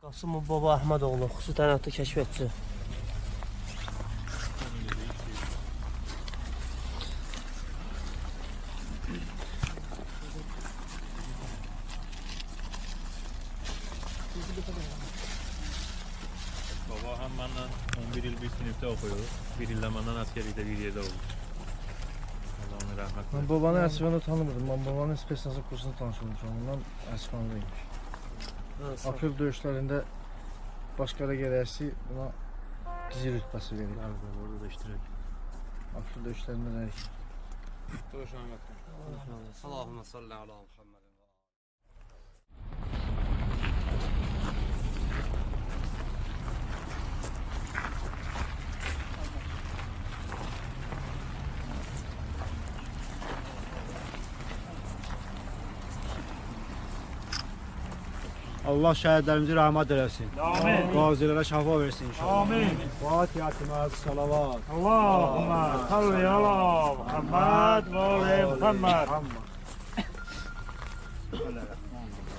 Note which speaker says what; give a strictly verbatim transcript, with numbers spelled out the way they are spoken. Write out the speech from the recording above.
Speaker 1: Qasımov Baba Əhmədoğlu, xüsusi təyinatlı kəşfiyyatçı.
Speaker 2: Baba hem benden on bir yıl bir sınıfta okuyor. Bir yılda benden askerlikte bir yerde oldu. Allah onu rahmet eylesin.
Speaker 3: Ben babanın Əsfanı tanımırdım. Ben babanın spesnazı kursunu tanışmışım. Ondan Əsfanlıymış. Aprel döyüşlərində başqara gələsi buna dizi rütbəsi verir.
Speaker 2: Evet, orada da iştirak.
Speaker 3: Aprel döyüşlərində nə?
Speaker 4: Allahümme salli ala Muhammed.
Speaker 5: Allah şəhidlərimizi rəhmət eləsin.
Speaker 6: Amin.
Speaker 5: Qazilərə şəfa versin inşallah.
Speaker 6: Amin.
Speaker 5: Fatihə-i salavat.
Speaker 6: Allahümme salli ala Muhammed ve ala Muhammed.